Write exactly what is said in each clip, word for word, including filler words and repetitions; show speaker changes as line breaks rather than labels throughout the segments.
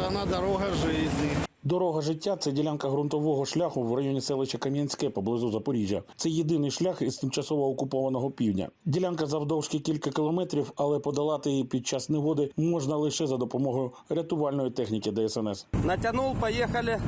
она дорога жизни.
Дорога життя – це ділянка ґрунтового шляху в районі селища Кам'янське поблизу Запоріжжя. Це єдиний шлях із тимчасово окупованого півдня. Ділянка завдовжки кілька кілометрів, але подолати її під час негоди можна лише за допомогою рятувальної техніки Де Ес Ен Ес.
Натянул, поехали.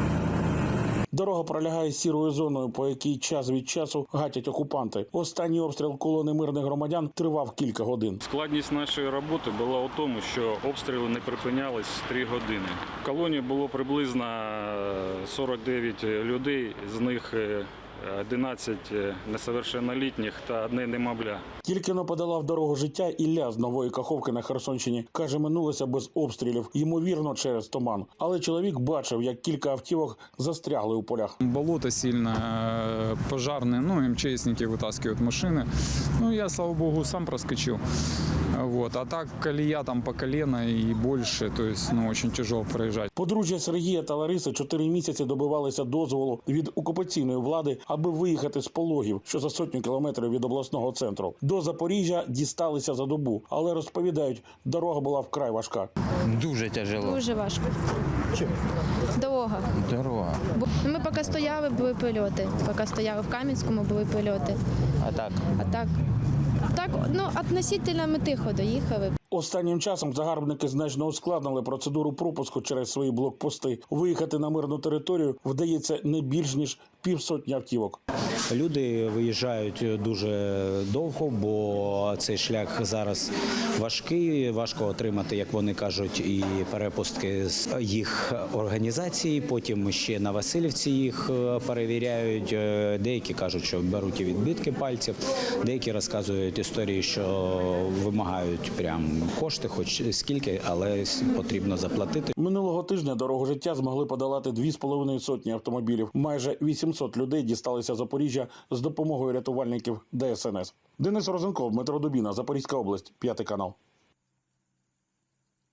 Дорога пролягає сірою зоною, по якій час від часу гатять окупанти. Останній обстріл колони мирних громадян тривав кілька годин.
Складність нашої роботи була у тому, що обстріли не припинялись три години. В колонії було приблизно сорок дев'ять людей, з них одинадцять несовершеннолітніх та одне немовля.
Тільки но подолав дорогу життя Ілля з Нової Каховки на Херсонщині. Каже, минулося без обстрілів, ймовірно, через туман. Але чоловік бачив, як кілька автівок застрягли у полях.
Болото сильно, пожарные, ну, эм че эсники вытаскивают машины. Ну, я, слава богу, сам проскочил. Вот. А так колея там по колено и больше, то есть, ну, очень тяжело проезжать.
Подружжя Сергія та Лариси чотири місяці добивалися дозволу від окупаційної влади, аби виїхати з Пологів, що за сотню кілометрів від обласного центру. До Запоріжжя дісталися за добу, але розповідають, дорога була вкрай важка.
Дуже тяжело.
Дуже важко.
Чим?
Дорога.
Дорога.
Ми поки стояли, були польоти. Поки стояли в Кам'янському, були польоти.
А так?
А так, так, ну, относительно ми тихо доїхали.
Останнім часом загарбники значно ускладнили процедуру пропуску через свої блокпости. Виїхати на мирну територію вдається не більш ніж півсотні автівок.
Люди виїжджають дуже довго, бо цей шлях зараз важкий, важко отримати, як вони кажуть, і перепустки з їх організації. Потім ще на Васильівці їх перевіряють. Деякі кажуть, що беруть і відбитки пальців, деякі розказують історії, що вимагають прям кошти, хоч скільки, але потрібно заплатити.
Минулого тижня дорогу життя змогли подолати дві з половиною сотні автомобілів. Майже вісімсот людей дісталися Запоріжжя з допомогою рятувальників Де Ес Ен Ес. Денис Розенков, Дмитро Дубіна, Запорізька область, п'ятий канал.